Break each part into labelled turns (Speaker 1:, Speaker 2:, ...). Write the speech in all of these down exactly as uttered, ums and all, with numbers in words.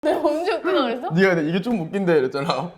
Speaker 1: 내가 언제 웃기다 그랬어?
Speaker 2: 네가 근데 이게 좀 웃긴데 이랬잖아.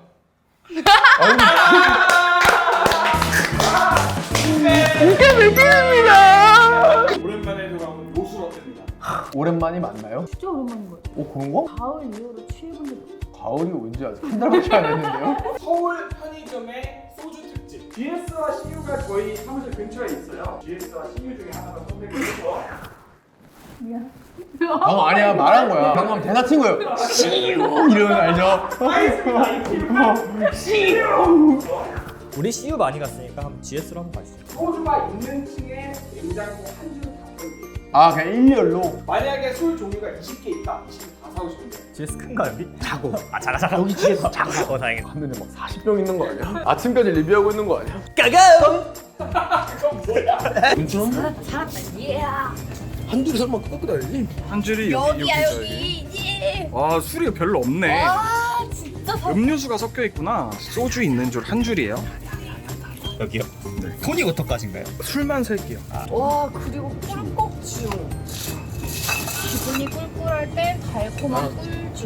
Speaker 2: 이게 웃깁니다.
Speaker 3: 오랜만에 돌아온 요술 어땠습니다.
Speaker 2: 오랜만이 맞나요?
Speaker 1: 진짜 오랜만인 거예요.
Speaker 2: 어 그런 거?
Speaker 1: 가을 이후로 취해본 적이 없어.
Speaker 2: 가을이 언제 아직 한 달밖에 안 했는데요?
Speaker 3: 서울 편의점의 소주 특집. 지에스와 씨유가 저희 사무실 근처에 있어요. 지에스와 씨유 중에 하나가 선택을 해서
Speaker 1: 미안.
Speaker 2: 방금 아니야 말한 거야. 방금 대사 친 거예요. 씨유 이러는 거 알죠?
Speaker 3: 알겠습니다. 이 팀은 씨유.
Speaker 4: 우리 씨유 많이 갔으니까 한번 지에스로 한번 가시죠.
Speaker 3: 소주가 있는 층에 냉장고 한 줄을 다 팔게요.
Speaker 2: 아 그냥 일렬로.
Speaker 3: 만약에 술 종류가 이십 개 있다. 이십 개 다 사오시면 돼요.
Speaker 4: 지에스 큰가 여기?
Speaker 2: 자고.
Speaker 4: 아 작아 작아.
Speaker 2: 여기 지에서 자고.
Speaker 4: 어 다행이다.
Speaker 2: 갔는데 막 사십 병 있는 거 아니야? 아침까지 리뷰하고 있는 거 아니야?
Speaker 4: 까가!
Speaker 3: 그건 뭐야?
Speaker 2: 괜찮아?
Speaker 1: 살았다 살았다. 예.
Speaker 2: 한 줄이 설마 끄고 다니지?
Speaker 5: 한 줄이
Speaker 1: 여기야 여기. 예.
Speaker 5: 와 술이 별로 없네.
Speaker 1: 와 진짜 살.
Speaker 5: 음료수가 섞여 있구나. 소주 있는 줄 한 줄이에요.
Speaker 4: 여기요? 네. 토닉워터까지인가요?
Speaker 5: 술만 셀게요.
Speaker 1: 와 그리고 꿀꺽주. 기분이 꿀꿀할 때 달콤한 꿀주.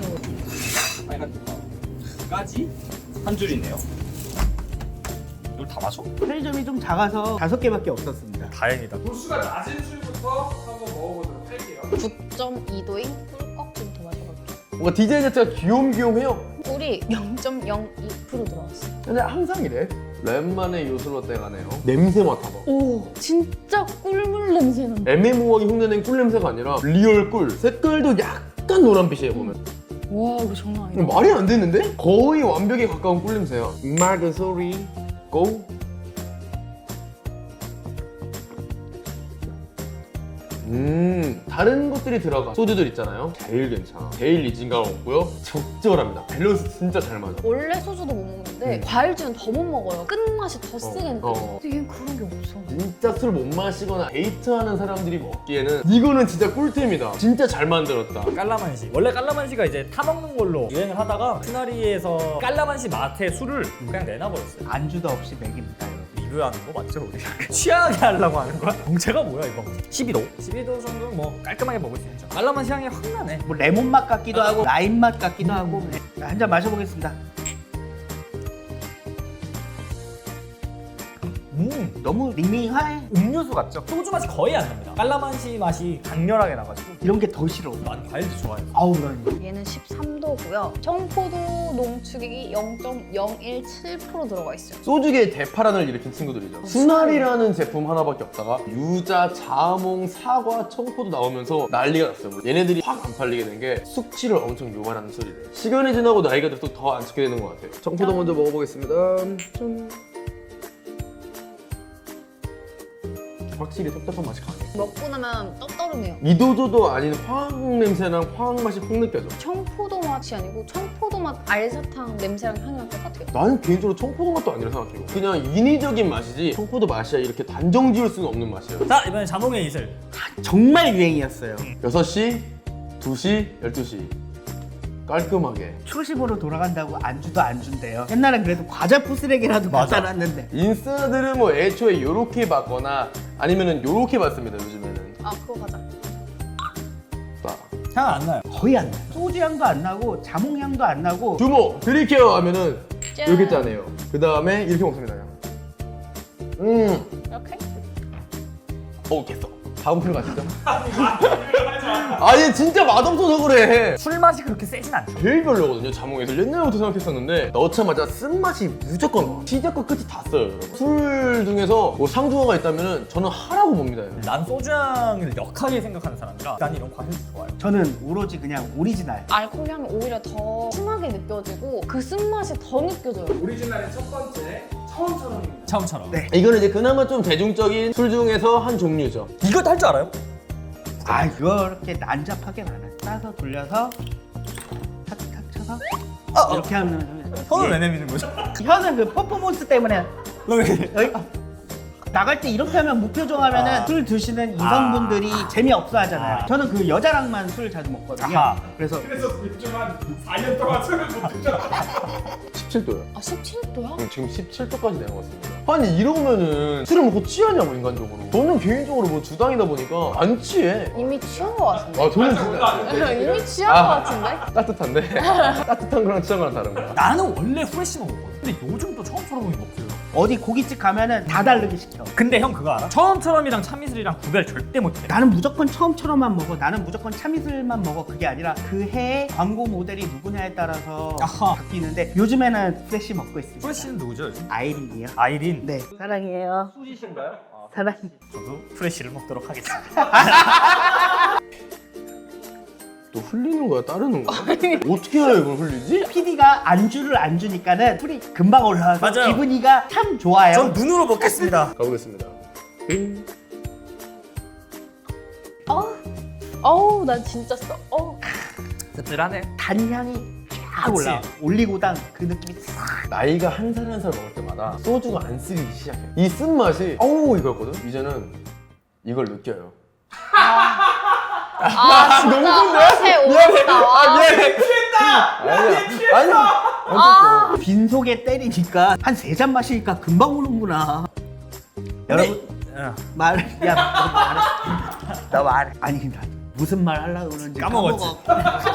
Speaker 4: 까지? 한 줄이네요. 이걸 다 마셔?
Speaker 6: 편의점이 좀 작아서 다섯 개밖에 없었습니다.
Speaker 4: 다행이다.
Speaker 3: 도수가 낮은 술부터 한번 먹어보도록 할게요.
Speaker 1: 구 점 이 도인 꿀꺽주부터 마셔볼게요.
Speaker 2: 뭔가 디자인 자체가 귀염귀염해요.
Speaker 1: 꿀이 영 점 영이 퍼센트 들어갔어.
Speaker 2: 근데 항상 이래. 랜만에 요술로 때가네요. 냄새 맡아봐.
Speaker 1: 오 진짜 꿀물 냄새 난다.
Speaker 2: 애매모호하게 흉내낸 꿀 냄새가 아니라 리얼 꿀. 색깔도 약간 노란빛이에요 보면.
Speaker 1: 와 이거 장난 아니다.
Speaker 2: 말이 안 되는데? 거의 완벽에 가까운 꿀 냄새야. 마그 소리 고. 음 다른 것들이 들어가 소주들 있잖아요. 제일 괜찮아. 제일 리진감 없고요. 적절합니다. 밸런스 진짜 잘 맞아.
Speaker 1: 원래 소주도 못 먹는데
Speaker 2: 음.
Speaker 1: 과일주는 더 못 먹어요. 끝맛이 더 쓰게 느껴.
Speaker 2: 어.
Speaker 1: 근데 얘는 그런 게 없어.
Speaker 2: 진짜 술 못 마시거나 데이트하는 사람들이 먹기에는 이거는 진짜 꿀템이다. 진짜 잘 만들었다.
Speaker 4: 깔라만시. 원래 깔라만시가 이제 타먹는 걸로 유행을 하다가 스나리에서 깔라만시 맛에 술을 그냥 내놔버렸어요.
Speaker 6: 안주도 없이 먹입니다, 여러분.
Speaker 4: 리뷰하는 거 맞죠 우리? 취하게 하려고 하는 거야? 정체가 뭐야 이거? 십이 도? 십이 도 정도 뭐 깔끔하게 먹을 수 있죠. 깔라만시 향이 확 나네.
Speaker 6: 뭐 레몬 맛 같기도 하고 라임 맛 같기도 하고 한 잔 마셔보겠습니다.
Speaker 4: 음
Speaker 6: 너무 밍밍해.
Speaker 4: 음료수 같죠? 소주 맛이 거의 안 납니다. 깔라만시 맛이 강렬하게 나가지고
Speaker 6: 이런 게 더 싫어.
Speaker 4: 난 과일도 좋아해요.
Speaker 6: 아우 난
Speaker 1: 얘는 십삼 도고요. 청포도 농축액이 영 점 영일칠 퍼센트 들어가 있어요.
Speaker 2: 소주계의 대파란을 일으킨 친구들이죠. 수나리라는 제품 하나밖에 없다가 유자, 자몽, 사과, 청포도 나오면서 난리가 났어요. 얘네들이 확 안 팔리게 된 게 숙취를 엄청 유발하는 술이래. 시간이 지나고 나이가 들수록 더 안 찾게 되는 것 같아요. 청포도 먼저 먹어보겠습니다. 짠. 확실히 텁텁한 맛이 강해.
Speaker 1: 먹고 나면 떡떠름해요.
Speaker 2: 이도저도 아닌 화학 냄새랑 화학 맛이 확 느껴져.
Speaker 1: 청포도 맛이 아니고 청포도 맛 알사탕 냄새랑 향이랑 똑같아요.
Speaker 2: 나는 개인적으로 청포도 맛도 아니라 생각해요. 그냥 인위적인 맛이지 청포도 맛이야 이렇게 단정 지을 수는 없는 맛이에요.
Speaker 4: 자 이번엔 자몽의 이슬.
Speaker 6: 정말 유행이었어요.
Speaker 2: 여섯 시, 두 시, 열두 시 깔끔하게
Speaker 6: 초심으로 돌아간다고 안주도 안 준대요. 옛날엔 그래도 과자 부스레기라도
Speaker 4: 맞아.
Speaker 6: 받아놨는데
Speaker 2: 인스타들은 뭐 애초에 요렇게 받거나 아니면은 요렇게 받습니다 요즘에는.
Speaker 1: 아 그거 가자.
Speaker 2: 자,
Speaker 4: 향 안 나요.
Speaker 6: 거의 안 나요. 소주 향도 안 나고 자몽 향도 안 나고
Speaker 2: 주모 드릴게요 하면은
Speaker 1: 짠.
Speaker 2: 이렇게 짜네요. 그 다음에 이렇게 먹습니다. 음,
Speaker 1: 이렇게?
Speaker 2: 어 됐어. 다음 필 가시죠. 아얘 진짜 맛없어서 그래.
Speaker 4: 술 맛이 그렇게 세진 않죠.
Speaker 2: 제일 별로거든요 자몽에서. 옛날부터 생각했었는데 넣자마자 쓴맛이 무조건 와. 시작과 끝이 다 써요 여러분. 술 중에서 뭐 상중하가 있다면 저는 하라고 봅니다. 여러분.
Speaker 4: 난 소주 향을 역하게 생각하는 사람이라 난 이런 과일 좋아요.
Speaker 6: 저는 오로지 그냥 오리지널.
Speaker 1: 알코올 향이 오히려 더 심하게 느껴지고 그 쓴맛이 더 느껴져요.
Speaker 3: 오리지널의 첫 번째 처음처럼입니다.
Speaker 4: 처음처럼.
Speaker 6: 네.
Speaker 2: 이거는 이제 그나마 좀 대중적인 술 중에서 한 종류죠.
Speaker 4: 이거 할 줄 알아요?
Speaker 6: 아 이렇게 난잡하게 많아요. 따서 돌려서 탁탁 쳐서
Speaker 4: 아,
Speaker 6: 이렇게 하면
Speaker 4: 손을
Speaker 6: 예.
Speaker 4: 왜 내미는 거죠?
Speaker 6: 혀는 그 퍼포먼스 때문에
Speaker 4: 너 왜?
Speaker 6: 어이? 나갈 때 이렇게 하면 무표정 하면은
Speaker 4: 아.
Speaker 6: 술 드시는 이성분들이 재미없어 하잖아요.
Speaker 4: 아.
Speaker 6: 저는 그 여자랑만 술 자주 먹거든요.
Speaker 4: 아하.
Speaker 6: 그래서
Speaker 3: 그래서 맥주 한 사 년 동안 술을 못 드잖아.
Speaker 2: 십칠 도요.
Speaker 1: 아 십칠 도야?
Speaker 2: 지금 십칠 도까지 내려갔습니다. 아니 이러면은 술을 먹고 취하냐고 인간적으로. 저는 개인적으로 뭐 주당이다 보니까 안 취해.
Speaker 1: 이미 취한 거 같은데?
Speaker 2: 아 저는 진짜 안 취해.
Speaker 1: 이미 취한
Speaker 2: 아.
Speaker 1: 거 같은데?
Speaker 2: 따뜻한데 따뜻한 거랑 취한 거랑 다른 거야.
Speaker 4: 나는 원래 후레쉬만 먹거든. 근데 요즘 또 처음처럼 먹혀요.
Speaker 6: 어디 고깃집 가면은 다 다르게 시켜.
Speaker 4: 근데 형 그거 알아? 처음처럼이랑 참이슬이랑 구별 절대 못해.
Speaker 6: 나는 무조건 처음처럼만 먹어. 나는 무조건 참이슬만 먹어. 그게 아니라 그 해에 광고 모델이 누구냐에 따라서
Speaker 4: 아하.
Speaker 6: 바뀌는데 요즘에는 프레쉬 먹고 있습니다.
Speaker 4: 후레쉬는 누구죠 요즘?
Speaker 6: 아이린이요.
Speaker 4: 아이린.
Speaker 6: 네. 사랑해요.
Speaker 4: 수지신가요?
Speaker 6: 사랑.
Speaker 4: 저도 후레쉬를 먹도록 하겠습니다.
Speaker 2: 또 흘리는 거야 따르는 거야? 어떻게 해야 이걸 흘리지?
Speaker 6: 피디가 안주를 안 주니까는 술이 금방 올라와서
Speaker 4: 맞아요.
Speaker 6: 기분이가 참 좋아요.
Speaker 4: 전 눈으로 먹겠습니다.
Speaker 2: 가보겠습니다.
Speaker 1: 어? 어우 난 진짜 써. 어.
Speaker 4: 씁쓸하네.
Speaker 6: 단향이 쫙
Speaker 4: 그치.
Speaker 6: 올라와. 올리고당 그 느낌이 싹.
Speaker 2: 나이가 한 살 한 살 먹을 때마다 소주가 안 쓰기 시작해. 이 쓴맛이 어우 이거였거든? 이제는 이걸 느껴요.
Speaker 1: 아 진짜 맛에 오겠다.
Speaker 2: 아 미안해. 취했다. 아니야. 아니야.
Speaker 1: 아.
Speaker 6: 빈속에 때리니까 한 세 잔 마시니까 금방 오는구나. 여러분
Speaker 4: 어.
Speaker 6: 말, 야, 너 말해. 너 말해. 아니, 나 무슨 말 하려고 그러는지
Speaker 4: 까먹었지.
Speaker 6: 까먹어.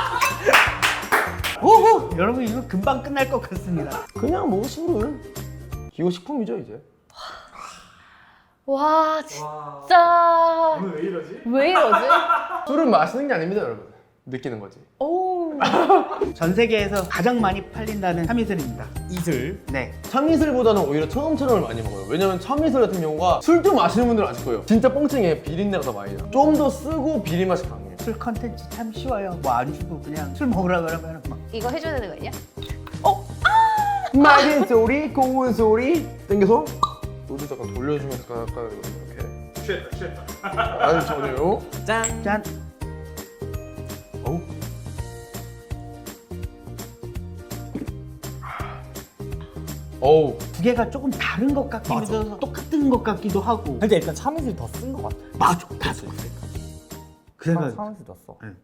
Speaker 6: 오호! 여러분, 이거 금방 끝날 것 같습니다.
Speaker 2: 그냥 뭐 술은 기호식품이죠 이제.
Speaker 1: 와 진짜
Speaker 3: 오늘 왜 이러지?
Speaker 1: 왜 이러지?
Speaker 2: 술은 마시는 게 아닙니다 여러분. 느끼는 거지.
Speaker 1: 오.
Speaker 6: 전 세계에서 가장 많이 팔린다는 참이슬입니다.
Speaker 4: 이슬.
Speaker 6: 네.
Speaker 2: 참이슬보다는 오히려 처음처럼을 많이 먹어요. 왜냐면 참이슬 같은 경우가 술도 마시는 분들은 아실 거예요. 진짜 뻥증에 비린내가 더 많이 나. 좀 더 쓰고 비린 맛이 강해요.
Speaker 6: 술 컨텐츠 참 쉬워요. 뭐 안 주고 그냥 술 먹으라 그러면 막.
Speaker 1: 이거 해줘야 되는 거 아니야?
Speaker 2: 맑은 소리, 고운 소리 땡겨서 소주 잠깐 돌려주면서 가까이 이렇게.
Speaker 3: 취했다 취했다.
Speaker 2: 아니 전혀요.
Speaker 4: 짠.
Speaker 6: 짠.
Speaker 2: 어우. 어우.
Speaker 6: 두 개가 조금 다른 것 같기도
Speaker 4: 맞아.
Speaker 6: 하고 똑같은 것 같기도 하고.
Speaker 4: 근데 일단 참이슬이 더 쓴 것 같아.
Speaker 6: 맞아. 다 써. 그 생각.
Speaker 4: 참이슬 더 써.
Speaker 6: 응.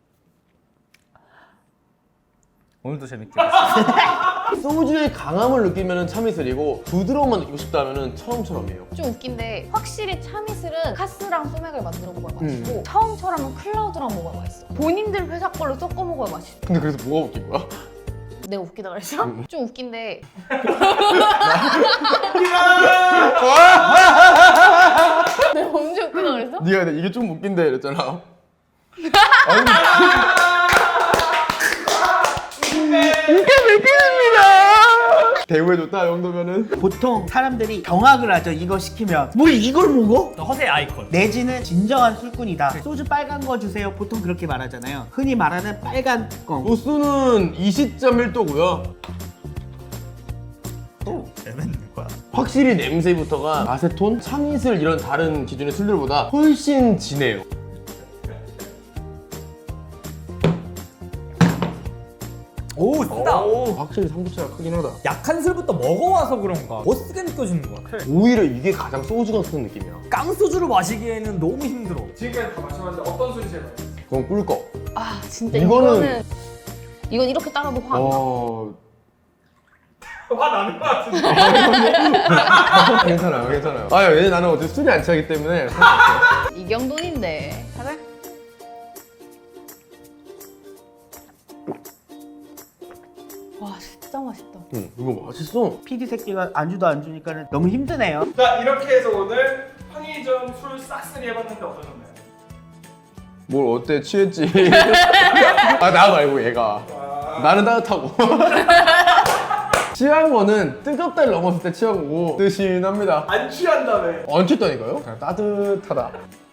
Speaker 4: 오늘도 재밌게 봤어.
Speaker 2: 소주의 강함을 느끼면 참이슬이고 부드러움만 느끼고 싶다면 처음처럼이에요.
Speaker 1: 좀 웃긴데 확실히 참이슬은 카스랑 소맥을 만들어 먹어야 맛있고
Speaker 2: 음.
Speaker 1: 처음처럼은 클라우드랑 먹어야 맛있어. 본인들 회사 걸로 섞어 먹어야 맛있어.
Speaker 2: 근데 그래서 뭐가 웃긴 거야?
Speaker 1: 내가 웃기다 그랬어?
Speaker 2: 음.
Speaker 1: 좀 웃긴데 내가 언제 웃기다 그랬어?
Speaker 2: 네가 근데 이게 좀 웃긴데 이랬잖아. 아니. 이게 웃깁니다. 대우해줬다 이 정도면은.
Speaker 6: 보통 사람들이 경악을 하죠. 이거 시키면. 뭘 이걸 먹어?
Speaker 4: 허세 아이콘.
Speaker 6: 내지는 진정한 술꾼이다. 소주 빨간 거 주세요. 보통 그렇게 말하잖아요. 흔히 말하는 빨간 껌.
Speaker 2: 도수는 이십 점 일 도고요.
Speaker 4: 재밌는 거야.
Speaker 2: 확실히 냄새부터가 아세톤, 참이슬 이런 다른 기준의 술들보다 훨씬 진해요.
Speaker 4: 오 쓰다.
Speaker 2: 오, 확실히 삼겹살가 크긴 하다.
Speaker 4: 약한 술부터 먹어와서 그런가 더 쓰게 느껴지는 것 같아.
Speaker 2: 오히려 이게 가장 소주가 쓰는 느낌이야.
Speaker 4: 깡소주를 마시기에는 너무 힘들어.
Speaker 3: 지금까지 다 마셔봤는데 어떤 술이 제일 맛있어?
Speaker 2: 그건 꿀꺽.
Speaker 1: 아 진짜
Speaker 2: 이거는-
Speaker 1: 이거는 이건 이렇게 따라도 화 안 나.
Speaker 2: 어...
Speaker 3: 화 나는 것 같은데.
Speaker 2: 괜찮아요, 괜찮아요. 아, 왜냐면 나는 어차피 술이 안 취하기 때문에.
Speaker 1: 이경돈인데 가자. 와 진짜 맛있다.
Speaker 2: 응, 이거 맛있어.
Speaker 6: 피디 새끼가 안주도 안 주니까 너무 힘드네요.
Speaker 3: 자 이렇게 해서 오늘 편의점 술 싹쓸이 해봤는데 어떠셨나요?
Speaker 2: 뭘 어때? 취했지? 아, 나 말고 얘가.
Speaker 3: 와.
Speaker 2: 나는 따뜻하고. 취한 거는 뜨겁다를 넘었을 때 취한 거고 뜨신합니다.
Speaker 3: 안 취한다며.
Speaker 2: 안 취했다니까요? 그냥 따뜻하다.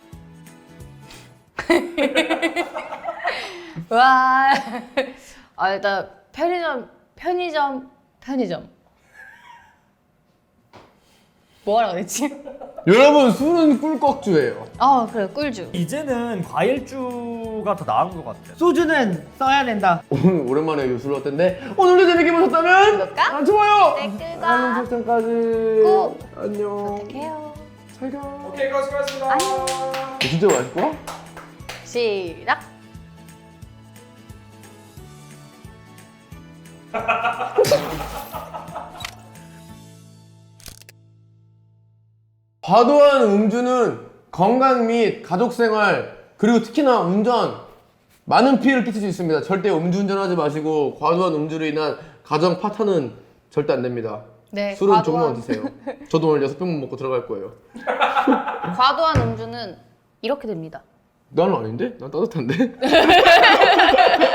Speaker 1: 와. 아 일단 편의점 편의점 편의점. 뭐하라 그랬지?
Speaker 2: 여러분, 술은 꿀꺽주예요.
Speaker 1: 아 그래 꿀주.
Speaker 4: 이제는 과일주가 더 나은 것 같아.
Speaker 6: 소주는 써야 된다.
Speaker 2: 오늘 오랜만에 요술 어땠는데 오늘도 재밌게 보셨다면
Speaker 1: 구독과
Speaker 2: 아, 좋아요!
Speaker 1: 댓글과
Speaker 2: 알림 설정까지
Speaker 1: 꾹
Speaker 2: 안녕.
Speaker 1: 부탁해요.
Speaker 2: 잘가.
Speaker 3: 오케이, 고 수고하셨습니다.
Speaker 2: 진짜 맛있고?
Speaker 1: 시작.
Speaker 2: 과도한 음주는 건강 및 가족 생활 그리고 특히나 운전 많은 피해를 끼칠 수 있습니다. 절대 음주운전하지 마시고 과도한 음주로 인한 가정 파탄은 절대 안 됩니다.
Speaker 1: 네,
Speaker 2: 술은
Speaker 1: 과도한-
Speaker 2: 조금만 드세요. 저도 오늘 여섯 병만 먹고 들어갈 거예요.
Speaker 1: 과도한 음주는 이렇게 됩니다.
Speaker 2: 나는 아닌데? 난 따뜻한데?